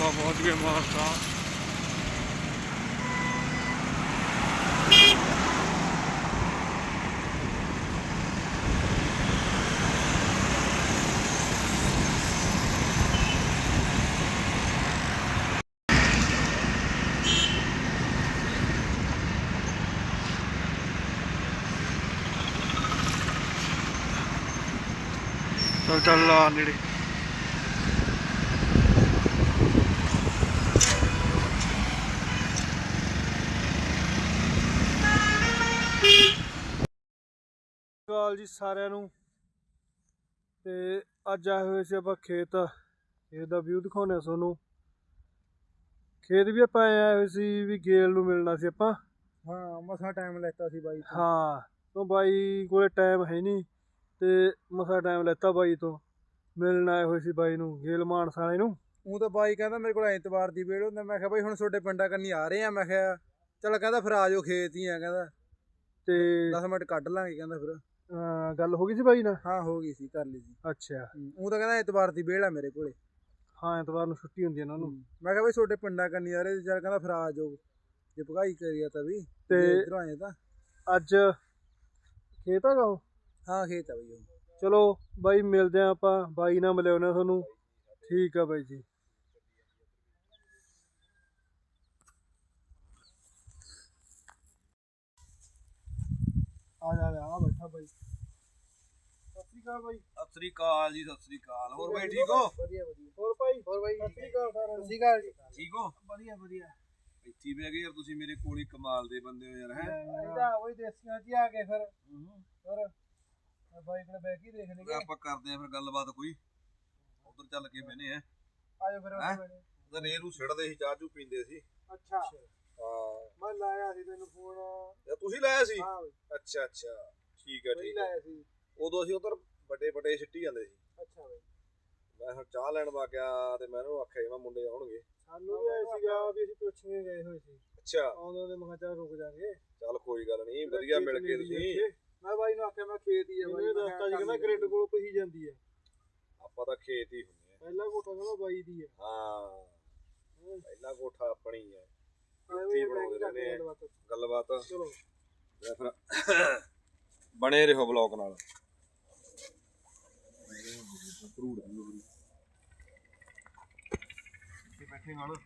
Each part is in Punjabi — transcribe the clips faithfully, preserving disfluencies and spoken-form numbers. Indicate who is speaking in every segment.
Speaker 1: ਆਪਾਂ ਪਹੁੰਚ ਗਏ ਮਾਨਸਾ। ਚੱਲ ਚੱਲ ਆ ਨੇੜੇ। ਕਾਲ ਜੀ ਸਾਰਿਆਂ ਨੂੰ। ਤੇ ਅੱਜ ਆਏ ਹੋਏ ਸੀ ਆਪਾਂ ਖੇਤ। ਖੇਤ ਦਾ ਵਿਊ ਦਿਖਾਉਂਦੇ ਆ ਤੁਹਾਨੂੰ। ਖੇਤ ਵੀ ਆਪਾਂ ਆਏ ਹੋਏ ਸੀ ਵੀ ਗੇਲ ਨੂੰ ਮਿਲਣਾ ਸੀ ਆਪਾਂ।
Speaker 2: ਹਾਂ ਮਸਾਂ ਟਾਈਮ ਲੈਤਾ ਸੀ ਬਾਈ ਤੋਂ।
Speaker 1: ਹਾਂ ਤੋਂ ਬਾਈ ਕੋਲੇ ਟਾਈਮ ਹੈ ਨਹੀਂ ਤੇ ਮਸਾਂ ਟਾਈਮ ਲੈਤਾ ਬਾਈ ਤੋਂ। ਮਿਲਣ ਆਏ ਹੋਏ ਸੀ ਬਾਈ ਨੂੰ, ਗੇਲ ਮਾਨਸਾ ਵਾਲੇ ਨੂੰ।
Speaker 2: ਉਹ ਤਾਂ ਬਾਈ ਕਹਿੰਦਾ ਮੇਰੇ ਕੋਲ ਐਤਵਾਰ ਦੀ ਵੇੜ ਹੁੰਦਾ। ਮੈਂ ਕਿਹਾ ਬਾਈ ਹੁਣ ਤੁਹਾਡੇ ਪਿੰਡਾਂ ਕੰਨੀ ਆ ਰਹੇ ਆ। ਮੈਂ ਕਿਹਾ ਚੱਲ ਕਹਿੰਦਾ ਫਿਰ ਆ ਜਾਓ ਖੇਤ ਹੀ ਆ। ਕਹਿੰਦਾ
Speaker 1: ਤੇ
Speaker 2: ਦਸ ਮਿੰਟ ਕੱਢ ਲਾਂਗੇ ਕਹਿੰਦਾ ਫਿਰ।
Speaker 1: ਅਹ ਗੱਲ ਹੋ ਗਈ ਸੀ ਬਾਈ ਨਾਲ?
Speaker 2: ਹਾਂ ਹੋ ਗਈ ਸੀ, ਕਰ ਲਈ ਸੀ।
Speaker 1: ਅੱਛਾ।
Speaker 2: ਉਹ ਤਾਂ ਕਹਿੰਦਾ ਐਤਵਾਰ ਦੀ ਵੇੜ ਆ ਮੇਰੇ ਕੋਲੇ।
Speaker 1: ਹਾਂ ਐਤਵਾਰ ਨੂੰ ਛੁੱਟੀ ਹੁੰਦੀ ਹੈ ਉਹਨਾਂ ਨੂੰ।
Speaker 2: ਮੈਂ ਕਿਹਾ ਬਾਈ ਤੁਹਾਡੇ ਪਿੰਡਾਂ ਕੰਨੀ ਆ ਰਹੇ ਚੱਲ ਕਹਿੰਦਾ ਫਿਰ ਆ ਜਾਓ ਜੇ ਭਗਾਈ ਕਰੀਆ ਤਾਂ ਵੀ।
Speaker 1: ਤੇ
Speaker 2: ਇੱਧਰੋਂ ਆਏ ਤਾਂ
Speaker 1: ਅੱਜ ਖੇਤ ਹੈਗਾ ਉਹ?
Speaker 2: ਹਾਂ ਖੇਤ ਆ ਬਾਈ ਉਹ।
Speaker 1: ਚਲੋ ਬਾਈ ਮਿਲਦੇ ਆ ਆਪਾਂ, ਬਾਈ ਨਾਲ ਮਿਲਿਆਉਂਦੇ ਤੁਹਾਨੂੰ। ਠੀਕ ਆ ਬਾਈ ਜੀ। ਆ ਜਾ ਆ ਬੈਠਾ ਬਾਈ। ਸਤਿ ਸ੍ਰੀ ਅਕਾਲ ਬਾਈ।
Speaker 3: ਸਤਿ ਸ੍ਰੀ ਅਕਾਲ ਜੀ। ਸਤਿ ਸ੍ਰੀ ਅਕਾਲ। ਹੋਰ ਬਾਈ ਠੀਕ ਹੋ?
Speaker 2: ਵਧੀਆ ਵਧੀਆ।
Speaker 1: ਹੋਰ ਬਾਈ?
Speaker 2: ਹੋਰ ਬਾਈ
Speaker 1: ਸਤਿ ਸ੍ਰੀ ਅਕਾਲ ਸਾਰਿਆਂ ਨੂੰ।
Speaker 2: ਸਤਿ ਸ਼੍ਰੀ ਅਕਾਲ ਜੀ।
Speaker 3: ਠੀਕ ਹੋ?
Speaker 2: ਵਧੀਆ ਵਧੀਆ।
Speaker 3: ਇੱਥੇ ਬਹਿ ਗਏ ਯਾਰ ਤੁਸੀਂ, ਮੇਰੇ ਕੋਲ ਹੀ ਕਮਾਲ ਦੇ ਬੰਦੇ ਹੋ ਯਾਰ। ਹੈ
Speaker 2: ਇਹਦਾ ਉਹੀ ਦੇਸੀਆਂ ਚ ਆ ਕੇ ਫਿਰ ਫਿਰ ਬਾਈ ਕੋਲ ਬੈਠ ਕੇ ਦੇਖ ਲਈਏ।
Speaker 3: ਆਪਾਂ ਕਰਦੇ ਆ ਫਿਰ ਗੱਲਬਾਤ ਕੋਈ। ਉਧਰ ਚੱਲ ਕੇ ਬਹਿਨੇ ਆ।
Speaker 2: ਆਜੋ ਫਿਰ ਉੱਥੇ।
Speaker 3: ਤਾਂ ਰੇਰੂ ਛੱਡਦੇ ਸੀ, ਚਾਹ ਚੂ ਪੀਂਦੇ ਸੀ।
Speaker 2: ਅੱਛਾ
Speaker 3: ਹਾਂ
Speaker 2: ਮੈਂ ਲਾਇਆ ਸੀ ਤੈਨੂੰ ਫੋਨ।
Speaker 3: ਜਾਂ ਤੁਸੀਂ ਲਾਇਆ ਸੀ?
Speaker 2: ਹਾਂ ਬਈ
Speaker 3: ਅੱਛਾ ਅੱਛਾ ਠੀਕ ਹੈ
Speaker 2: ਮੈਂ
Speaker 3: ਠੀਕ ਹੈ।
Speaker 2: ਲਾਇਆ ਸੀ।
Speaker 3: ਉਦੋਂ ਅਸੀਂ ਉਧਰ ਵੱਡੇ ਵੱਡੇ ਸਿੱਟੀ ਜਾਂਦੇ ਸੀ।
Speaker 2: ਅੱਛਾ ਬਈ।
Speaker 3: ਮੈਂ ਹੁਣ ਚਾਹ ਲੈਣ ਵਾ ਗਿਆ ਤੇ ਮੈਂ ਉਹਨੂੰ ਆਖਿਆ ਮੈਂ ਮੁੰਡੇ ਆਉਣਗੇ।
Speaker 2: ਸਾਨੂੰ ਵੀ ਆਇਆ ਸੀਗਾ ਵੀ ਅਸੀਂ ਪੁੱਛ ਕੇ ਗਏ ਹੋਏ ਸੀ।
Speaker 3: ਅੱਛਾ
Speaker 2: ਆਉਂਦੇ ਆਉਂਦੇ ਮੈਂ ਕਿਹਾ ਚੱਲ ਰੁਕ ਜਾਗੇ।
Speaker 3: ਚੱਲ ਕੋਈ ਗੱਲ ਨਹੀਂ, ਵਧੀਆ ਮਿਲ ਗਏ ਤੁਸੀਂ।
Speaker 2: ਮੈਂ ਬਾਈ ਨੂੰ ਆਖਿਆ ਮੈਂ ਖੇਤ ਹੀ ਆ ਬਾਈ।
Speaker 1: ਇਹ ਰਸਤਾ ਜੀ ਕਹਿੰਦਾ ਗ੍ਰਿਡ ਕੋਲ ਪਹੀ ਜਾਂਦੀ ਹੈ।
Speaker 3: ਆਪਾਂ ਤਾਂ ਖੇਤ ਹੀ ਹੁੰਦੇ ਆ।
Speaker 1: ਪਹਿਲਾ ਕੋਠਾ ਕਹਿੰਦਾ ਬਾਈ ਦੀ ਹੈ।
Speaker 3: ਹਾਂ ਪਹਿਲਾ ਕੋਠਾ ਆਪਣੀ ਹੈ।
Speaker 2: ਐਵੇਂ
Speaker 3: ਬਣਾਉਂਦੇ ਰਹਿੰਦੇ ਆ
Speaker 2: ਗੱਲਬਾਤ।
Speaker 3: ਗੱਲਬਾਤ।
Speaker 2: ਚਲੋ
Speaker 3: ਫਿਰ ਬਣੇ ਰਹੋ ਬਲੌਗ ਨਾਲ। ਬੈਠੇ ਨਾਲ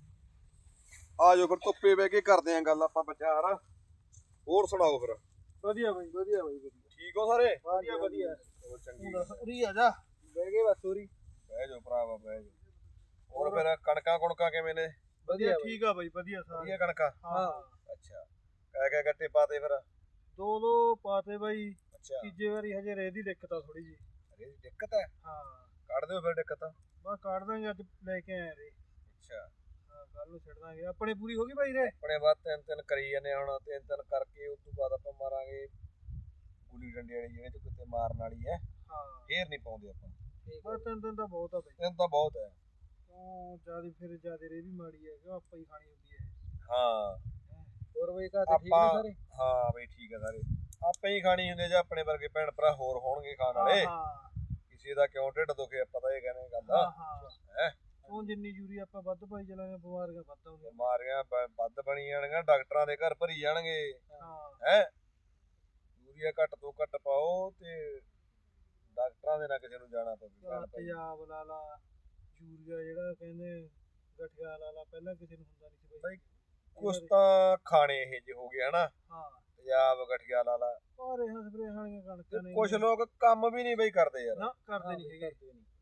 Speaker 3: ਆ ਜਾਓ ਫਿਰ, ਧੁੱਪੇ ਬਹਿ ਕੇ ਕਰਦੇ ਆਂ ਗੱਲ ਆਪਾਂ ਵਿਚਾਰ। ਹੋਰ ਸੁਣਾਓ ਫਿਰ।
Speaker 2: ਵਧੀਆ ਬਾਈ ਵਧੀਆ ਬਾਈ ਵਧੀਆ।
Speaker 3: ਠੀਕ ਹੋ ਸਾਰੇ?
Speaker 2: ਵਧੀਆ ਵਧੀਆ।
Speaker 3: ਚਲੋ ਚੰਗੀ
Speaker 2: ਦੱਸ ਉਰੀ ਆ ਜਾ। ਬਹਿ ਗਏ ਬਸ ਉਰੀ।
Speaker 3: ਬਹਿ ਜਾਓ ਭਰਾਵਾ ਬਹਿ ਜਾਓ। ਹੋਰ ਫਿਰ ਕਣਕਾਂ ਕੁਣਕਾਂ ਕਿਵੇਂ ਨੇ?
Speaker 2: ਵਧੀਆ
Speaker 1: ਠੀਕ ਆ ਬਾਈ ਵਧੀਆ ਸਾਰੇ।
Speaker 3: ਵਧੀਆ ਕਣਕਾਂ?
Speaker 2: ਹਾਂ
Speaker 3: ਅੱਛਾ ਕਹਿ ਕਹਿ ਗੱਟੇ ਪਾਤੇ ਫਿਰ?
Speaker 1: ਦੋ ਦੋ ਪਾਤੇ ਬਾਈ।
Speaker 3: ਅੱਛਾ
Speaker 1: ਤੀਜੇ ਵਾਰੀ ਹਜੇ ਰੇਹ ਦੀ ਦਿੱਕਤ ਆ ਥੋੜੀ ਜੀ।
Speaker 3: ਅਰੇ ਦਿੱਕਤ ਹੈ?
Speaker 1: ਹਾਂ
Speaker 3: ਕੱਢ ਦਿਓ ਫਿਰ ਦਿੱਕਤ।
Speaker 1: ਬਸ ਕੱਢ ਦਾਂਗੇ, ਅੱਜ ਲੈ ਕੇ ਆਏ ਰੇ।
Speaker 3: ਅੱਛਾ
Speaker 1: ਹਾਂ ਕੱਲ ਨੂੰ ਛੱਡ ਦਾਂਗੇ। ਆਪਣੇ ਪੂਰੀ ਹੋ ਗਈ ਬਾਈ ਰੇ?
Speaker 3: ਆਪਣੇ ਬਾਅਦ ਤਿੰਨ ਤਿੰਨ ਕਰੀ ਜਾਂਦੇ ਹੁਣ। ਤਿੰਨ ਤਿੰਨ ਕਰਕੇ ਉਸ ਤੋਂ ਬਾਅਦ ਆਪਾਂ ਮਾਰਾਂਗੇ ਗੁੱਲੀ ਡੰਡੇ ਵਾਲੀ, ਜਿਹੜੇ ਚ ਕਿਤੇ ਮਾਰਨ ਵਾਲੀ ਹੈ।
Speaker 1: ਹਾਂ
Speaker 3: ਫੇਰ ਨਹੀਂ ਪਾਉਂਦੇ ਆਪਾਂ।
Speaker 1: ਬਸ ਤਿੰਨ ਦਿਨ ਤਾਂ ਬਹੁਤ ਆ ਬਾਈ।
Speaker 3: ਤਿੰਨ ਤਾਂ ਬਹੁਤ ਹੈ।
Speaker 1: ਉਹ ਜਿਆਦਾ ਫਿਰ ਜਿਆਦਾ ਰੇ ਵੀ ਮਾੜੀ ਹੈ ਕਿ ਆਪਾਂ ਹੀ ਖਾਣੀ ਹੁੰਦੀ ਹੈ।
Speaker 3: ਹਾਂ
Speaker 2: ਹੋਰ ਬਾਈ ਘਰ ਤੇ ਠੀਕ
Speaker 3: ਆਪਾਂ
Speaker 2: ਨੇ ਸਾਰੇ?
Speaker 3: ਹਾਂ ਬਈ ਠੀਕ ਹੈ ਸਾਰੇ। ਆਪੇ ਹੀ ਖਾਣੀ ਹੁੰਦੀ, ਜਾਂ ਆਪਣੇ ਵਰਗੇ ਭੈਣ ਭਰਾ ਹੋਰ ਹੋਣਗੇ ਖਾਣ ਵਾਲੇ।
Speaker 1: ਹਾਂ
Speaker 3: ਕਿਸੇ ਦਾ ਕਿਉਂ ਢਿੱਡ ਦੁਖੇ ਆਪਾਂ ਤਾਂ ਇਹ ਕਹਿੰਦੇ ਗੱਲ
Speaker 1: ਹਾਂ
Speaker 3: ਆ।
Speaker 1: ਹਾਂ
Speaker 3: ਹੈ
Speaker 1: ਉਹ ਜਿੰਨੀ ਯੂਰੀਆ ਆਪਾਂ ਵੱਧ ਪਾਈ ਚਲਾਂਗੇ ਬਿਮਾਰੀਆਂ ਵੱਧ ਆਉਂਦੀਆਂ।
Speaker 3: ਬਿਮਾਰੀਆਂ ਬ- ਵੱਧ ਬਣੀ ਜਾਣਗੀਆਂ, ਡਾਕਟਰਾਂ ਦੇ ਘਰ ਭਰੀ ਜਾਣਗੇ।
Speaker 1: ਹਾਂ
Speaker 3: ਹੈ ਯੂਰੀਆ ਘੱਟ ਤੋਂ ਘੱਟ ਪਾਓ ਤੇ ਡਾਕਟਰਾਂ ਦੇ ਨਾਲ ਕਿਸੇ ਨੂੰ ਜਾਣਾ ਪਵੇ। ਭੈਣ ਭਾਈ
Speaker 1: ਤੇਜ਼ਾਬ ਲਾ ਲਾ, ਯੂਰੀਆ ਜਿਹੜਾ ਕਹਿੰਦੇ ਗਠੀਆ ਲਾ ਲਾ, ਪਹਿਲਾਂ ਕਿਸੇ ਨੂੰ ਹੁੰਦਾ ਨਹੀਂ ਸੀ ਬਾਈ।
Speaker 3: ਕੁਛ ਤਾਂ ਖਾਣੇ ਇਹ ਜਿਹੇ ਹੋ ਗਏ ਹਨਾ,
Speaker 1: ਹਾਂ
Speaker 3: ਤੇਜ਼ਾਬ ਗਠੀਆ ਲਾ ਲਾ।
Speaker 1: ਪਰ ਇਹ ਸਪਰੇ ਵਾਲੀਆਂ ਕਣਕਾਂ ਨੇ
Speaker 3: ਕੁਛ ਲੋਕ ਕੰਮ ਵੀ ਨਹੀਂ ਬਈ ਕਰਦੇ ਯਾਰ।
Speaker 1: ਨਾ ਕਰਦੇ ਨਹੀਂ ਹੈਗੇ।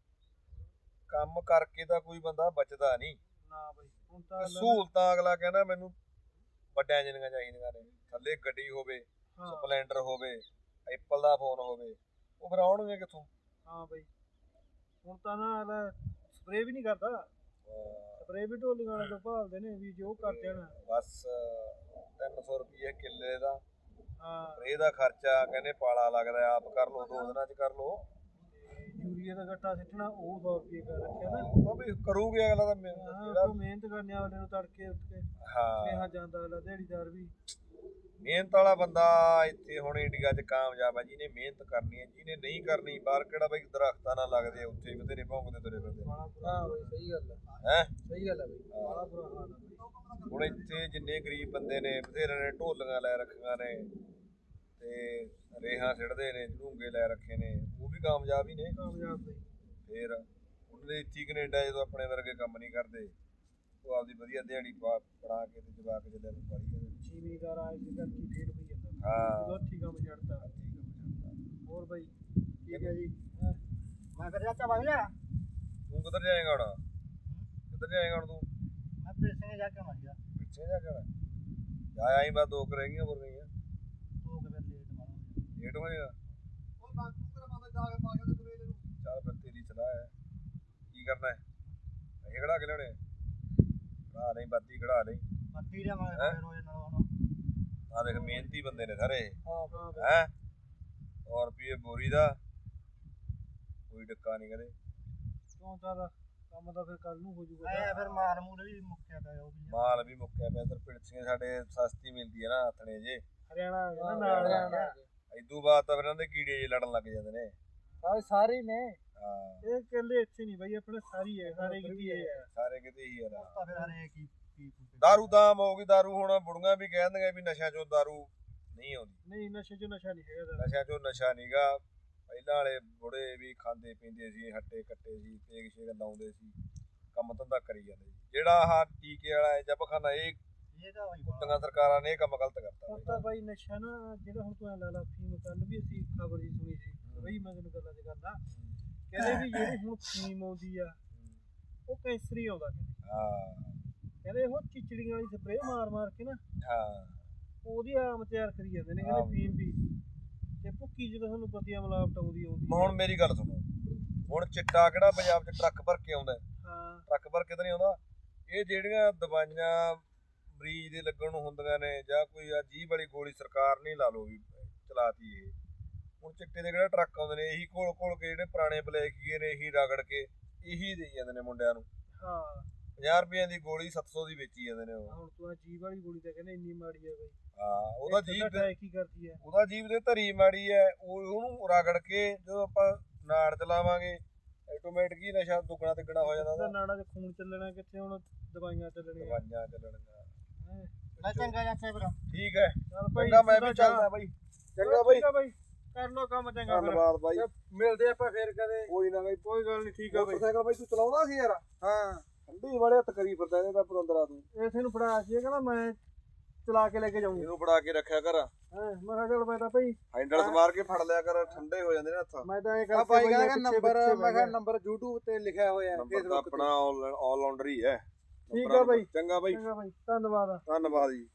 Speaker 3: ਕੰਮ ਕਰਕੇ ਤਾਂ ਕੋਈ ਬੰਦਾ ਬਚਦਾ ਨਹੀਂ।
Speaker 1: ਨਾ ਬਾਈ ਹੁਣ ਤਾਂ
Speaker 3: ਸਹੂਲਤਾਂ ਅਗਲਾ ਕਹਿੰਦਾ ਮੈਨੂੰ ਵੱਡਿਆਂ ਜਿਹੀਆਂ ਚਾਹੀਦੀਆਂ ਨੇ, ਥੱਲੇ ਗੱਡੀ ਹੋਵੇ,
Speaker 1: ਹਾਂ
Speaker 3: ਸਪਲੈਂਡਰ ਹੋਵੇ, ਐਪਲ ਦਾ ਫੋਨ ਹੋਵੇ। ਉਹ ਫਿਰ ਆਉਣਗੇ ਕਿੱਥੋਂ?
Speaker 1: ਹਾਂ ਬਾਈ ਹੁਣ ਤਾਂ ਨਾ ਸਪਰੇ ਵੀ ਨਹੀਂ ਕਰਦਾ। ਸਪਰੇ ਵੀ ਢੋਲੀਆਂ ਵਾਲੇ ਤੋਂ ਭਾਲਦੇ ਨੇ ਵੀ ਜੋ ਕਰ ਦੇਣ।
Speaker 3: ਬਸ ਤਿੰਨ ਸੌ ਰੁਪਏ ਕਿੱਲੇ ਦਾ
Speaker 1: ਹਾਂ
Speaker 3: ਇਹਦਾ ਖਰਚਾ, ਕਹਿੰਦੇ ਪਾਲਾ ਲੱਗਦਾ, ਆਪ ਕਰ ਲਓ ਦੋ ਦਿਨਾਂ ਚ ਕਰ ਲਓ।
Speaker 1: ਯੂਰੀਆ ਦਾ ਗੱਟਾ ਸਿੱਟਣਾ ਉਹ ਸੌ ਰੁਪਏ ਕਰ ਰੱਖਿਆ ਨਾ।
Speaker 3: ਉਹ ਵੀ ਕਰੂਗੇ ਅਗਲਾ ਤਾਂ
Speaker 1: ਹਾਂ ਮਿਹਨਤ ਕਰਨ ਵਾਲੇ ਨੂੰ ਤੜਕੇ ਉੱਠ ਕੇ
Speaker 3: ਹਾਂ
Speaker 1: ਸਨੇਹਾ ਜਾਂਦਾ ਅਗਲਾ ਦਿਹਾੜੀਦਾਰ ਵੀ
Speaker 3: ਮਿਹਨਤ ਵਾਲਾ ਬੰਦਾ ਇੱਥੇ ਹੁਣ ਇੰਡੀਆ 'ਚ ਕਾਮਯਾਬ ਆ, ਜਿਹਨੇ ਮਿਹਨਤ ਕਰਨੀ ਹੈ। ਜਿਹਨੇ ਨਹੀਂ ਕਰਨੀ, ਬਾਹਰ ਕਿਹੜਾ ਬਈ ਦਰਖਤਾਂ ਨਾਲ ਲੱਗਦੇ ਆ, ਉੱਥੇ ਬਥੇਰੇ ਭੌਂਕਦੇ ਤੁਰੇ ਫਿਰਦੇ
Speaker 2: ਹਾਂ ਬਈ ਸਹੀ ਗੱਲ ਹੈ
Speaker 3: ਹੈ।
Speaker 2: ਸਹੀ ਗੱਲ ਹੈ ਬਈ ਬੜਾ ਬੁਰਾ ਹਾਲ ਹੈ ਬਈ।
Speaker 3: ਹੁਣ ਇੱਥੇ ਜਿੰਨੇ ਗਰੀਬ ਬੰਦੇ ਨੇ ਬਥੇਰੇ ਨੇ ਢੋਲੀਆਂ ਲੈ ਰੱਖੀਆਂ ਨੇ ਤੇ ਰੇਹਾਂ ਸਿੱਟਦੇ ਨੇ, ਝੂੰਗੇ ਲੈ ਰੱਖੇ ਨੇ, ਉਹ ਵੀ ਕਾਮਯਾਬ ਹੀ ਨੇ।
Speaker 1: ਕਾਮਯਾਬ ਬਈ।
Speaker 3: ਫੇਰ ਉਹਦੇ ਇੱਥੇ ਕੈਨੇਡਾ ਜਦੋਂ ਆਪਣੇ ਵਰਗੇ ਕੰਮ ਨਹੀਂ ਕਰਦੇ, ਉਹ ਆਪਦੀ ਵਧੀਆ ਦਿਹਾੜੀ ਪਾ ਬਣਾ ਕੇ ਤੇ ਜਵਾਕ ਜਿਹਦੇ ਨੂੰ ਪਾਲੀ ਜਾਂਦੇ।
Speaker 1: ਜ਼ਿਮੀਦਾਰ ਆਏ ਸੀ ਘਰ ਕੀ ਫੇਰ ਹੋਈ ਜਾਂਦਾ।
Speaker 3: ਹਾਂ
Speaker 1: ਜਦੋਂ ਹੱਥੀਂ ਕੰਮ ਛੱਡਤਾ। ਹੋਰ ਬਾਈ ਠੀਕ ਹੈ ਜੀ।
Speaker 2: ਮੈਂ ਫਿਰ ਚਾਚਾ ਵਗ ਜਾ।
Speaker 3: ਤੂੰ ਕਿੱਧਰ ਜਾਏਗਾ ਹੁਣ? ਕਿੱਧਰ ਜਾਏਗਾ ਹੁਣ ਤੂੰ?
Speaker 2: ਮੈਂ ਫਿਰ ਸਿੰਘ ਜਾ ਕੇ ਮਰ ਗਿਆ।
Speaker 3: ਪਿੱਛੇ ਜਾ ਕੇ ਜਾ ਆਈ, ਬਸ ਦੋ ਕੁ ਰਹਿ ਗਈਆਂ, ਬੋਲ ਰਹੀਆਂ
Speaker 2: ਤੂੰ ਕਿ ਫਿਰ ਲੇਟ ਮਾਰੂੰਗਾ।
Speaker 3: ਲੇਟ ਹੋ ਜਾਏਗਾ।
Speaker 2: ਉਹ ਬਾਕੀ ਤੇਰਾ ਬੰਦਾ ਜਾ ਕੇ ਪਾ ਕੇ ਤੇ ਤੂੰ ਇਹਨੂੰ
Speaker 3: ਚੱਲ ਫਿਰ ਤੇਰੀ ਸਲਾਹ ਹੈ, ਕੀ ਕਰਨਾ ਹੈ? ਇਹ ਖੜਾ ਕੇ ਲਿਆਉਣੇ ਖੜਾ ਲਈ, ਬਾਤੀ ਖੜਾ ਲਈ।
Speaker 2: ਬੱਤੀ ਦੇ ਮਾਰੇ ਰੋਜ਼ ਨਾਲ ਹੁਣ
Speaker 3: ਆ ਦੇਖ ਮਿਹਨਤੀ ਬੰਦੇ ਨੇ ਸਾਰੇ
Speaker 2: ਹਾਂ
Speaker 3: ਹੈ। ਸੌ ਰੁਪਏ ਬੋਰੀ ਦਾ ਕੋਈ ਡੱਕਾ ਨਹੀਂ ਕਦੇ।
Speaker 1: ਕਿਉਂ ਚੱਲ ਕੰਮ ਤਾਂ ਫਿਰ ਕੱਲ ਨੂੰ ਹੋ ਜੂਗਾ।
Speaker 2: ਐ ਫਿਰ ਮਾਲ ਮੂਲ ਵੀ ਮੁੱਕਿਆ ਪਿਆ ਉਹ ਵੀ।
Speaker 3: ਮਾਲ ਵੀ ਮੁੱਕਿਆ ਪਿਆ। ਇੱਧਰ ਪਿਲਸੀਆਂ ਸਾਡੇ ਸਸਤੀ ਮਿਲਦੀ ਹੈ ਨਾ ਆਥਣੇ ਜੇ।
Speaker 1: ਹਰਿਆਣਾ ਆ ਗਿਆ ਨਾ ਨਾਲ ਹਰਿਆਣਾ।
Speaker 3: ਇਦੋਂ ਬਾਅਦ ਤਾਂ ਫਿਰ ਇਹਨਾਂ ਦੇ ਕੀੜੇ ਜੇ ਲੜਨ ਲੱਗ ਜਾਂਦੇ ਨੇ।
Speaker 2: ਹਾਂ ਸਾਰੇ ਨੇ।
Speaker 3: ਹਾਂ
Speaker 1: ਇਹ ਕਹਿੰਦੇ ਇੱਥੇ ਨਹੀਂ ਬਾਈ, ਆਪਣੇ ਸਾਰੀ ਹੈ, ਸਾਰੇ ਕਿਤੇ ਇਹ ਹੈ।
Speaker 3: ਸਾਰੇ ਕਿਤੇ ਹੀ ਯਾਰ।
Speaker 2: ਤਾਂ ਫਿਰ ਹਰੇਕ ਹੀ ਪੀ ਪੂ ਕੇ
Speaker 3: ਦਾਰੂ ਦਾਮ ਹੋ ਗਈ। ਦਾਰੂ ਹੁਣ ਬੁੜੀਆਂ ਵੀ ਕਹਿ ਦਿੰਦੀਆਂ ਵੀ ਨਸ਼ਿਆਂ ਚੋਂ ਦਾਰੂ ਨਹੀਂ ਆਉਂਦੀ।
Speaker 1: ਨਹੀਂ ਨਸ਼ੇ 'ਚ ਨਸ਼ਾ ਨਹੀਂ ਹੈਗਾ।
Speaker 3: ਨਸ਼ਿਆਂ ਚੋਂ ਨਸ਼ਾ ਨਹੀਂਗਾ। ਪਹਿਲਾਂ ਵਾਲੇ ਬੁੜੇ ਵੀ ਖਾਂਦੇ ਪੀਂਦੇ ਸੀ, ਹੱਟੇ ਕੱਟੇ ਸੀ, ਤੇਗ ਸ਼ੇਗ ਲਾਉਂਦੇ ਸੀ, ਕੰਮ ਧੰਦਾ ਕਰੀ ਜਾਂਦੇ ਸੀ। ਜਿਹੜਾ ਆਹ ਟੀਕੇ ਵਾਲਾ ਜਬਖਾਨਾ, ਇਹ
Speaker 2: ਇਹ ਤਾਂ ਹੋਈ
Speaker 3: ਕੁੱਤੀਆਂ ਸਰਕਾਰਾਂ ਨੇ ਇਹ ਕੰਮ ਗਲਤ ਕਰਤਾ
Speaker 1: ਹੁਣ ਤਾਂ ਬਾਈ ਨਸ਼ਾ ਨਾ ਜਿਹੜਾ ਹੁਣ ਤੂੰ ਐ ਲਾ ਲਾ ਫੀਮ, ਕੱਲ ਵੀ ਅਸੀਂ ਖਬਰ ਜੀ ਸੁਣੀ ਸੀ ਬਈ, ਮੈਂ ਤੈਨੂੰ ਗੱਲਾਂ 'ਚ ਕਰਦਾ, ਕਹਿੰਦੇ ਵੀ ਜਿਹੜੀ ਹੁਣ ਫੀਮ ਆਉਂਦੀ ਆ ਉਹ ਕੈਂਸਰ ਹੀ ਆਉਂਦਾ। ਕਹਿੰਦੇ
Speaker 3: ਹਾਂ
Speaker 1: ਕਹਿੰਦੇ ਉਹ ਚਿਚੜੀਆਂ ਵਾਲੀ ਸਪਰੇਅ ਮਾਰ ਮਾਰ ਕੇ ਨਾ
Speaker 3: ਹਾਂ
Speaker 1: ਉਹਦੀ ਆਮ ਤਿਆਰ ਕਰੀ ਜਾਂਦੇ ਨੇ। ਕਹਿੰਦੇ ਫੀਮ ਵੀ ਤੇ ਭੁੱਕੀ ਜਦੋਂ ਤੁਹਾਨੂੰ ਪਤੀ ਮਿਲਾਵਟ ਆਉਂਦੀ ਆਉਂਦੀ
Speaker 3: ਹੁਣ ਮੇਰੀ ਗੱਲ ਸੁਣੋ। ਹੁਣ ਚਿੱਟਾ ਕਿਹੜਾ ਪੰਜਾਬ 'ਚ ਟਰੱਕ ਭਰ ਕੇ ਆਉਂਦਾ?
Speaker 1: ਹਾਂ
Speaker 3: ਟਰੱਕ ਭਰ ਕੇ ਤਾਂ ਨਹੀਂ ਆਉਂਦਾ। ਇਹ ਜਿਹੜੀਆਂ ਦਵਾਈਆਂ ਮਰੀਜ਼ ਦੇ ਲੱਗਣ ਨੂੰ ਹੁੰਦੀਆਂ ਨੇ, ਜਾਂ ਕੋਈ ਆ ਜੀਭ ਵਾਲੀ ਗੋਲੀ ਸਰਕਾਰ ਨਹੀਂ ਲਾ ਲਓ ਵੀ ਚਲਾਤੀ ਇਹ। ਹੁਣ ਚਿੱਟੇ ਦੇ ਕਿਹੜਾ ਟਰੱਕ ਆਉਂਦੇ ਨੇ, ਇਹੀ ਘੋਲ ਘੋਲ ਕੇ ਜਿਹੜੇ ਪੁਰਾਣੇ ਬਲੈਕੀਏ ਨੇ ਇਹੀ ਰਗੜ ਕੇ ਇਹੀ ਦੇਈ ਜਾਂਦੇ ਨੇ ਮੁੰਡਿਆਂ ਨੂੰ।
Speaker 1: ਹਾਂ
Speaker 3: ਪੰਜਾਹ ਰੁਪਈਆਂ ਦੀ ਗੋਲੀ ਸੱਤ ਸੌ ਦੀ ਵੇਚੀ ਜਾਂਦੇ ਨੇ ਉਹ।
Speaker 1: ਹੁਣ ਤੂੰ ਆ ਜੀਭ ਵਾਲੀ ਗੋਲੀ ਤਾਂ ਕਹਿੰਦੇ ਇੰਨੀ ਮਾੜੀ ਆ ਬਈ।
Speaker 3: ਹਾਂ ਉਹਦਾ ਜੀਭ ਦੇ
Speaker 1: ਕੀ ਕਰਦੀ ਹੈ?
Speaker 3: ਉਹਦਾ ਜੀਭ ਦੇ ਧਰੀ ਮਾੜੀ ਹੈ। ਉਹ ਉਹਨੂੰ ਰਗੜ ਕੇ ਜਦੋਂ ਆਪਾਂ ਨਾੜ ਚਲਾਵਾਂਗੇ ਆਟੋਮੈਟਿਕ ਹੀ ਨਸ਼ਾ ਦੁੱਗਣਾ ਤਿੱਗਣਾ ਹੋ ਜਾਂਦਾ ਉਹਦਾ।
Speaker 1: ਨਾੜਾਂ 'ਚ ਖੂਨ ਚੱਲਣਾ ਕਿੱਥੇ, ਹੁਣ ਦਵਾਈਆਂ ਚੱਲਣੀਆਂ।
Speaker 3: ਦਵਾਈਆਂ ਚੱਲਣਗੀਆਂ।
Speaker 2: ਨਾ ਚੰਗਾ ਚਾਚਾ ਫਿਰ
Speaker 3: ਠੀਕ ਹੈ
Speaker 1: ਚੱਲ ਭਾਈ
Speaker 3: ਚੰਗਾ, ਮੈਂ ਵੀ ਚੱਲਦਾ ਬਾਈ। ਚੰਗਾ ਬਾਈ,
Speaker 1: ਬਾਈ ਕਰ ਲੋ ਕੰਮ ਚੰਗਾ ਫਿਰ।
Speaker 3: ਧੰਨਵਾਦ ਬਾਈ।
Speaker 2: ਮਿਲਦੇ ਆਪਾਂ ਫੇਰ ਕਦੇ।
Speaker 3: ਕੋਈ ਨਾ ਬਾਈ,
Speaker 1: ਕੋਈ ਗੱਲ ਨਹੀਂ। ਠੀਕ ਆ ਬਾਈ।
Speaker 3: ਮੋਟਰਸਾਈਕਲ ਬਾਈ ਤੂੰ ਚਲਾਉਂਦਾ ਸੀ ਯਾਰ?
Speaker 2: ਹਾਂ
Speaker 3: ਠੰਡੀ ਬੜੇ ਹੱਥ ਕਰੀ ਫਿਰਦਾ ਇਹਦਾ ਪਤੰਦਰਾ ਤੂੰ।
Speaker 1: ਇਸੇ ਨੂੰ ਫੜਾ ਸੀ, ਕਹਿੰਦਾ ਮੈਂ ਚਲਾ ਕੇ ਲੈ ਕੇ ਜਾਊਂਗਾ।
Speaker 3: ਇਹਨੂੰ ਫੜਾ ਕੇ ਰੱਖਿਆ ਕਰ।
Speaker 1: ਹਾਂ ਮੈਂ ਕਿਹਾ ਚੱਲ ਮੈਂ ਤਾਂ ਭਾਈ
Speaker 3: ਹੈਂਡਲ ਸਮਾਰ ਕੇ ਫੜ ਲਿਆ ਕਰ, ਠੰਡੇ ਹੋ ਜਾਂਦੇ ਨੇ ਹੱਥ।
Speaker 1: ਮੈਂ ਤਾਂ ਇਹ
Speaker 2: ਆ
Speaker 1: ਕਰਕੇ
Speaker 2: ਬਾਈ
Speaker 1: ਬਈ
Speaker 2: ਕਹਿੰਦਾ
Speaker 1: ਪਿੱਛੇ
Speaker 2: ਨੰਬਰ,
Speaker 1: ਪਿੱਛੇ
Speaker 2: ਮੈਂ ਕਿਹਾ
Speaker 1: ਬਹਿ
Speaker 2: ਨੰਬਰ YouTube ਤੇ ਲਿਖਿਆ ਹੋਇਆ ਹੈ
Speaker 3: ਨੰਬਰ ਤਾਂ
Speaker 2: Facebook
Speaker 3: ਆਪਣਾ ਆਲ ਰਾਊਂਡਰ ਹੀ ਹੈ।
Speaker 1: ਠੀਕ ਆ ਬਾਈ।
Speaker 3: ਚੰਗਾ ਬਾਈ,
Speaker 1: ਚੰਗਾ ਬਾਈ, ਧੰਨਵਾਦ।
Speaker 3: ਧੰਨਵਾਦ ਜੀ।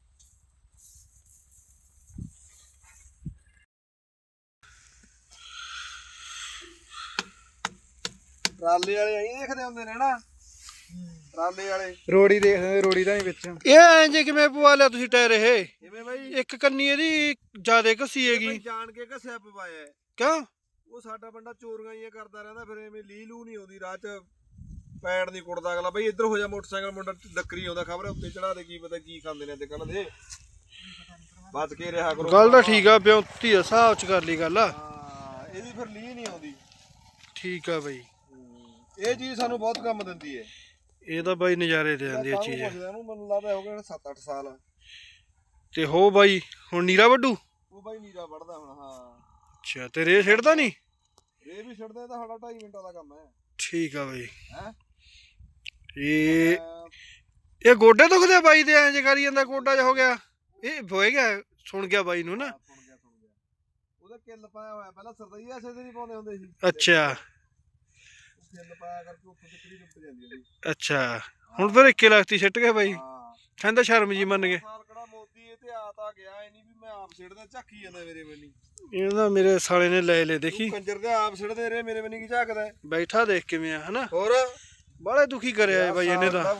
Speaker 3: ਟਰਾਲੇ ਵਾਲੇ ਆਈ ਦੇਖਦੇ ਹੁੰਦੇ ਨੇ ਨਾ, ਟਰਾਲੇ ਵਾਲੇ।
Speaker 2: ਰੋੜੀ ਦੇਖ ਰੋੜੀ ਤਾਂ ਨਹੀਂ ਵਿੱਚ।
Speaker 1: ਇਹ ਐਂ ਜੇ ਕਿਵੇਂ ਪਵਾ ਲਿਆ ਤੁਸੀਂ ਟਾਇਰ? ਇਹ
Speaker 3: ਕਿਵੇਂ ਬਾਈ?
Speaker 1: ਇੱਕ ਕੰਨੀ ਇਹਦੀ ਜ਼ਿਆਦਾ ਘਸੀ
Speaker 3: ਇਹ
Speaker 1: ਹੈਗੀ।
Speaker 3: ਬਾਈ ਜਾਣ ਕੇ ਘਸਿਆ ਪਵਾਇਆ ਹੈ।
Speaker 1: ਕਿਉਂ?
Speaker 3: ਉਹ ਸਾਡਾ ਬੰਦਾ ਚੋਰੀਆਂ ਹੀ ਕਰਦਾ ਰਹਿੰਦਾ, ਫਿਰ ਐਵੇਂ ਲੀ ਲੂ ਨਹੀਂ ਆਉਂਦੀ ਰਾਹ 'ਚ, ਪੈੜ ਨਹੀਂ ਕੁੱਟਦਾ ਅਗਲਾ। ਬਈ ਇੱਧਰ ਹੋ ਜਾ, ਮੋਟਰਸਾਈਕਲ ਮੁੰਡਾ ਡੱਕਰੀ ਆਉਂਦਾ, ਖਬਰ ਉੱਤੇ ਚੜਾ ਦੇ, ਕੀ ਪਤਾ ਕੀ ਖਾਂਦੇ ਨੇ ਅੱਜ ਕੱਲ ਦੇ। ਬਚ ਕੇ ਰਿਹਾ ਕਰੋ।
Speaker 1: ਗੱਲ ਤਾਂ ਠੀਕ ਆ, ਬਿਉਂਤੀ ਆ, ਹਿਸਾਬ ਚ ਕਰ ਲਈ ਗੱਲ।
Speaker 3: ਹਾਂ ਇਹਦੀ ਫਿਰ ਲੀ ਨਹੀਂ ਆਉਂਦੀ।
Speaker 1: ਠੀਕ ਆ ਬਈ,
Speaker 3: ਇਹ ਚੀਜ਼ ਸਾਨੂੰ ਬਹੁਤ ਕੰਮ ਦਿੰਦੀ ਹੈ।
Speaker 1: ਇਹ ਤਾਂ ਬਾਈ ਨਜ਼ਾਰੇ ਦੇ ਜਾਂਦੀ ਆ ਚੀਜ਼।
Speaker 3: ਇਹਨੂੰ ਮੈਨੂੰ ਲੱਗਦਾ ਹੋ ਗਏ ਸੱਤ ਅੱਠ ਸਾਲ।
Speaker 1: ਤੇ ਹੋ ਬਾਈ ਹੁਣ ਨੀਰਾ ਵੱਡੂ?
Speaker 3: ਉਹ ਬਾਈ ਨੀਰਾ ਵੜਦਾ ਹੁਣ। ਹਾਂ
Speaker 1: ਅੱਛਾ, ਤੇ ਰੇ ਛੱਡਦਾ ਨਹੀਂ?
Speaker 3: ਰੇ ਵੀ ਛੱਡਦਾ, ਤਾਂ ਸਾਡਾ ਢਾਈ ਮਿੰਟਾਂ ਦਾ ਕੰਮ ਹੈ।
Speaker 1: ਠੀਕ ਆ ਬਾਈ।
Speaker 3: ਹੈ
Speaker 1: ਇਹ ਇਹ ਗੋਡੇ ਦੁਖਦੇ ਆ ਬਾਈ ਦੇ? ਐਂ ਜੇ ਕਰੀ ਜਾਂਦਾ, ਗੋਡਾ ਜਿਹਾ ਹੋ ਗਿਆ। ਇਹ ਹੋਏ ਗਿਆ, ਸੁਣ ਗਿਆ ਬਾਈ ਨੂੰ ਨਾ।
Speaker 3: ਸੁਣ ਗਿਆ ਸੁਣ ਗਿਆ ਉਹਦਾ ਕਿੱਲ ਪਾਇਆ ਹੋਇਆ। ਪਹਿਲਾਂ ਸਰਦਈ ਐਸੇ ਦੇ ਨਹੀਂ ਪਾਉਂਦੇ ਹੁੰਦੇ ਸੀ।
Speaker 1: ਅੱਛਾ
Speaker 3: ਕਿੱਲ ਪਾਇਆ ਕਰਕੇ ਉੱਥੇ ਤੱਕੜੀ ਡੁੱਬ ਜਾਂਦੀ ਹੁੰਦੀ।
Speaker 1: ਅੱਛਾ, ਹੁਣ ਫਿਰ ਇੱਕੇ ਲਖਤੀ ਸਿੱਟ ਗਿਆ ਬਾਈ।
Speaker 3: ਹਾਂ
Speaker 1: ਕਹਿੰਦਾ ਸ਼ਰਮ ਜੀ ਮੰਨ ਗਏ।
Speaker 3: ਸਾਲ ਕਿਹੜਾ ਮੋਦੀ ਇਹ ਤੇ ਆ ਤਾਂ ਗਿਆ ਇਹ ਨਹੀਂ ਵੀ ਮੈਂ ਆਪ ਸਿੱਟਦਾ, ਝਾਕੀ ਜਾਂਦਾ ਮੇਰੇ ਬੰਨੀ।
Speaker 1: ਇਹਦਾ ਮੇਰੇ ਸਾਲੇ ਨੇ ਲੈ ਲੈ, ਦੇਖੀ
Speaker 3: ਕੰਜਰ ਦੇ ਆਪ ਸਿੱਟਦੇ ਰਹੇ, ਮੇਰੇ ਬੰਨੀ ਕੀ ਝਾਕਦਾ
Speaker 1: ਬੈਠਾ, ਦੇਖ ਕਿਵੇਂ ਆ ਹਨਾ।
Speaker 3: ਹੋਰ
Speaker 1: ਬਾਲੇ ਦੁਖੀ ਕਰਿਆ ਇਹ ਬਾਈ ਇਹਨੇ ਤਾਂ।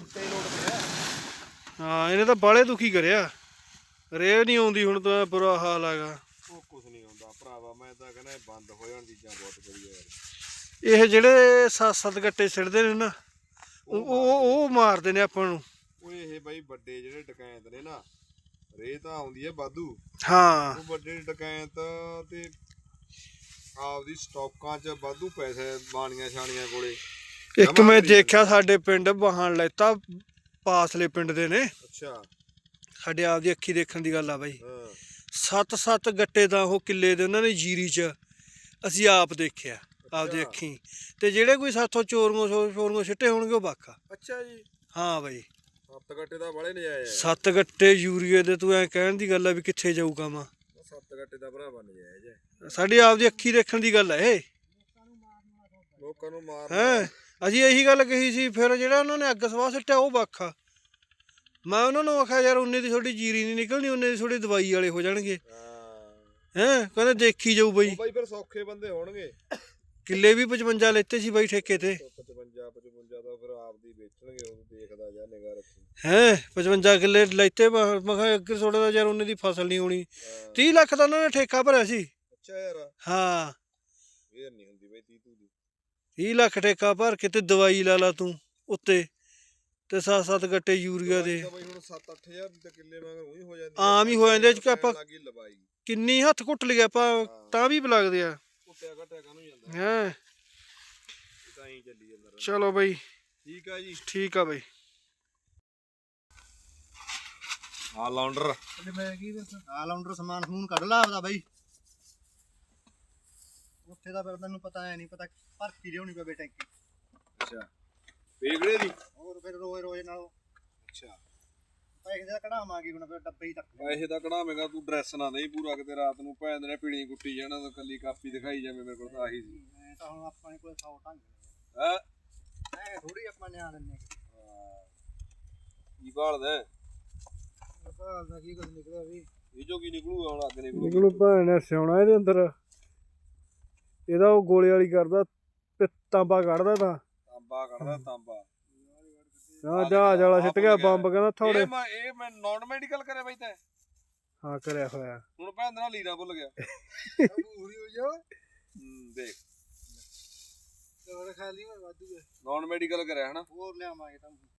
Speaker 1: ਹਾਂ ਇਹਨੇ ਤਾਂ ਬਾਲੇ ਦੁਖੀ ਕਰਿਆ। ਰੇ ਨਹੀਂ ਆਉਂਦੀ ਹੁਣ ਤਾਂ, ਬੁਰਾ ਹਾਲ ਹੈਗਾ।
Speaker 3: ਉਹ ਕੁਛ ਨਹੀਂ ਹੁੰਦਾ ਭਰਾਵਾ, ਮੈਂ ਤਾਂ ਕਹਿੰਦਾ ਬੰਦ ਹੋ ਜਾਣ ਚੀਜ਼ਾਂ ਬਹੁਤ ਵਧੀਆ ਯਾਰ।
Speaker 1: ਇਹ ਜਿਹੜੇ ਸੱਤ ਸੱਤ ਗੱਟੇ ਸਿੱਟਦੇ ਨੇ ਨਾ, ਉਹ ਉਹ ਉਹ ਮਾਰਦੇ ਨੇ ਆਪਾਂ ਨੂੰ।
Speaker 3: ਉਹ ਇਹ ਬਾਈ ਵੱਡੇ ਜਿਹੜੇ ਡਕੈਤ ਨੇ ਨਾ, ਰੇ ਤਾਂ ਆਉਂਦੀ ਹੈ ਵਾਧੂ।
Speaker 1: ਹਾਂ
Speaker 3: ਉਹ ਵੱਡੇ ਡਕੈਤ ਤੇ ਆਪਦੀ ਸਟਾਕਾਂ 'ਚ ਵਾਧੂ ਪੈਸੇ ਬਾਣੀਆਂ ਛਾਣੀਆਂ ਕੋਲੇ।
Speaker 1: ਇੱਕ ਮੈਂ ਦੇਖਿਆ ਸਾਡੇ ਪਿੰਡ ਵਾਹਣ ਲੈਤਾ ਪਾਸਲੇ ਪਿੰਡ ਦੇ ਨੇ,
Speaker 3: ਅੱਛਾ
Speaker 1: ਸਾਡੇ ਆਪਦੀ ਅੱਖੀ ਦੇਖਣ ਦੀ ਗੱਲ ਆ ਬਾਈ।
Speaker 3: ਹਾਂ
Speaker 1: ਸੱਤ ਸੱਤ ਗੱਟੇ ਤਾਂ ਉਹ ਕਿੱਲੇ ਦੇ ਉਹਨਾਂ ਨੇ ਜੀਰੀ 'ਚ ਅਸੀਂ ਆਪ ਦੇਖਿਆ ਆਪਦੀ ਅੱਖੀ। ਤੇ ਜਿਹੜੇ ਕੋਈ ਸਾਥੋਂ ਚੋਰੀਆਂ ਚੋਰੀਆਂ ਸਿੱਟੇ ਹੋਣਗੇ ਉਹ ਬਾਕਾ।
Speaker 3: ਅੱਛਾ ਜੀ
Speaker 1: ਹਾਂ ਬਾਈ
Speaker 3: ਸੱਤ ਗੱਟੇ ਦਾ ਵਾਲੇ ਨਜਾਇਜ਼ ਹੈ।
Speaker 1: ਸੱਤ ਗੱਟੇ ਯੂਰੀਏ ਦੇ ਤੂੰ ਐ ਕਹਿਣ ਦੀ ਗੱਲ ਆ ਵੀ ਕਿੱਥੇ ਜਾਊ ਕੰਮ।
Speaker 3: ਸੱਤ ਗੱਟੇ ਦਾ ਭਰਾਵਾ ਨਜਾਇਜ਼ ਹੈ।
Speaker 1: ਸਾਡੀ ਆਪਦੀ ਅੱਖੀ ਦੇਖਣ ਦੀ ਗੱਲ ਹੈ ਇਹ।
Speaker 3: ਲੋਕਾਂ ਨੂੰ ਮਾਰ
Speaker 1: ਹੈਂ ਅਸੀਂ ਇਹੀ ਗੱਲ ਕਹੀ ਸੀ। ਫਿਰ ਜਿਹੜਾ ਉਹਨਾਂ ਨੇ ਅੱਗ ਸਵਾਹ ਸਿੱਟਿਆ ਉਹ ਬਾਖਾ। ਮੈਂ ਉਹਨਾਂ ਨੂੰ ਆਖਿਆ ਯਾਰ ਉਨੇ ਦੀ ਤੁਹਾਡੀ ਜੀਰੀ ਨਹੀਂ ਨਿਕਲਣੀ, ਉਨੇ ਦੀ ਤੁਹਾਡੀ ਦਵਾਈ ਵਾਲੇ ਹੋ ਜਾਣਗੇ। ਹੈਂ ਕਹਿੰਦੇ ਦੇਖੀ ਜਾਊ ਬਈ।
Speaker 3: ਬਾਈ ਫਿਰ ਸੌਖੇ ਬੰਦੇ ਹੋਣਗੇ।
Speaker 1: ਕਿੱਲੇ ਵੀ ਪਚਵੰਜਾ ਲੈਤੇ ਸੀ ਬਾਈ ਠੇਕੇ ਤੇ।
Speaker 3: ਪਚਵੰਜਾ ਪਚਵੰਜਾ ਦਾ ਫਿਰ ਆਪਦੀ ਵੇਚਣਗੇ। ਉਹ ਦੇਖਦਾ ਜਾ ਨਿਗਾਹ ਰੱਖੀ।
Speaker 1: ਹੈਂ ਪਚਵੰਜਾ ਕਿੱਲੇ ਲੈਤੇ। ਮੈਂ ਕਿਹਾ ਅੱਗੇ ਥੋੜਾ ਦਾ ਯਾਰ ਉਨੇ ਦੀ ਫਸਲ ਨਹੀਂ ਹੋਣੀ। ਤੀਹ ਲੱਖ ਦਾ ਉਹਨਾਂ ਨੇ ਠੇਕਾ ਭਰਿਆ ਸੀ।
Speaker 3: ਅੱਛਾ ਯਾਰ
Speaker 1: ਹਾਂ
Speaker 3: ਇਹ ਨਹੀਂ ਹੁੰਦੀ ਬਈ ਤੀਹ ਤੂ ਦੀ।
Speaker 1: ਤੀਹ ਲੱਖ ਠੇਕਾ ਭਰ ਕੇ ਤੇ ਦਵਾਈ ਲਾ ਲਾ ਤੂੰ ਉੱਤੇ ਤੇ ਸੱਤ ਸੱਤ ਗੱਟੇ ਯੂਰੀਆ ਦੇ।
Speaker 3: ਬਾਈ ਹੁਣ ਸੱਤ ਅੱਠ ਹਜ਼ਾਰ ਦੀ ਤਾਂ ਕਿੱਲੇ ਮਗਰ ਉਹੀ ਹੋ ਜਾਂਦੀ।
Speaker 1: ਆਮ ਹੀ ਹੋ ਜਾਂਦੇ ਚ ਆਪਾਂ
Speaker 3: ਲਵਾਈ
Speaker 1: ਕਿੰਨੀ ਹੱਥ ਘੁੱਟ ਲਿਆ ਆਪਾਂ ਤਾਂ ਵੀ ਲੱਗਦੇ ਆ।
Speaker 3: ਕੁੱਟਿਆ ਘਟਿਆ ਕਾਹਨੂੰ ਜਾਂਦਾ।
Speaker 1: ਹੈਂ
Speaker 3: ਤਾਂ ਹੀ ਚੱਲੀ ਜਾਂਦਾ।
Speaker 1: ਚਲੋ ਬਾਈ
Speaker 3: ਠੀਕ ਆ ਜੀ।
Speaker 1: ਠੀਕ ਆ ਬਾਈ।
Speaker 3: ਹਾਂ ਲਾਉਂਡਰ
Speaker 2: ਮੈਂ ਕੀ ਦੱਸਾਂ ਆਲਰਾਊਂਡਰ ਸਮਾਨ ਸਮੂਨ ਕੱਢ ਲਾ ਆਪਦਾ ਬਾਈ। ਉੱਥੇ ਦਾ ਫਿਰ ਤੈਨੂੰ ਪਤਾ ਐ ਨਹੀਂ ਪਤਾ ਭਰ ਕੇ ਲਿਆਉਣੀ ਪਵੇ ਟੈਂਕੀ।
Speaker 3: ਅੱਛਾ ਵੇਗੜੇ ਦੀ
Speaker 2: ਹੋਰ ਫਿਰ ਰੋਜ਼ ਰੋਜ਼ ਨਾਲੋਂ
Speaker 3: ਅੱਛਾ
Speaker 2: ਪੈਸੇ ਦਾ ਕਢਾਵਾਂਗੇ ਹੁਣ ਫਿਰ ਡੱਬੇ ਹੀ ਤੱਕ।
Speaker 3: ਪੈਸੇ ਦਾ ਕਢਾਵੇਂਗਾ ਤੂੰ ਡਰੈਸ ਨਾ ਨਹੀਂ ਪੂਰਾ ਕਿਤੇ ਰਾਤ ਨੂੰ ਭੈਣ ਦੇ ਨੇ ਪੀਣੀ ਕੁੱਟੀ ਜਾਣਾ ਤਾਂ ਕੱਲੀ ਕਾਪੀ ਦਿਖਾਈ ਜਾਵੇ। ਮੇਰੇ ਕੋਲ ਤਾਂ ਆਹੀ ਸੀ।
Speaker 2: ਐ ਤਾਂ ਹੁਣ ਆਪਣੇ ਕੋਲ ਸੌ ਢੰਗ
Speaker 3: ਹੈ
Speaker 2: ਐ ਥੋੜੀ ਆਪਾਂ ਨਿਆ ਦਿੰਨੇ
Speaker 3: ਕੀ ਭਾਲਦਾ
Speaker 2: ਭਾਲ ਦਾ ਕੀ ਕੁਝ ਨਿਕਲਿਆ ਵੀ।
Speaker 3: ਇਹ ਜੋ ਕੀ ਨਿਕਲੂਗਾ ਹੁਣ ਅੱਗ ਨਿਕਲੂ।
Speaker 1: ਨਿਕਲੂ ਭੈਣ ਨੇ ਸਿਉਣਾ ਇਹਦੇ ਅੰਦਰ। ਇਹਦਾ ਉਹ ਗੋਲੇ ਵਾਲੀ ਕਰਦਾ ਤਾਂਬਾ ਕੱਢਦਾ ਤਾਂ
Speaker 3: ਤਾਂਬਾ ਕੱਢਦਾ ਤਾਂਬਾ।
Speaker 1: ਹਾਂ ਜਹਾਜ਼ ਵਾਲਾ ਸਿੱਟ ਗਿਆ ਬੰਬ ਕਹਿੰਦਾ ਥੋੜੇ।
Speaker 3: ਇਹ ਮੈਂ ਇਹ ਮੈਂ ਨਾਨ ਮੈਡੀਕਲ ਕਰਿਆ ਬਾਈ ਤੈਂ।
Speaker 1: ਹਾਂ ਕਰਿਆ ਹੋਇਆ।
Speaker 3: ਹੁਣ ਭੈਣ ਦੇ ਨਾਲ ਲੀਰਾ ਭੁੱਲ ਗਿਆ।
Speaker 2: ਪੂਰੀ ਹੋ ਜਾ
Speaker 3: ਹੂੰ ਦੇਖ
Speaker 2: ਹੋਰ ਖਾਲੀ ਮੈਂ ਵਾਧੂ
Speaker 3: ਨਾਨ ਮੈਡੀਕਲ ਕਰਿਆ ਹਨਾ।
Speaker 2: ਹੋਰ ਲਿਆਵਾਂਗੇ ਤਾਂ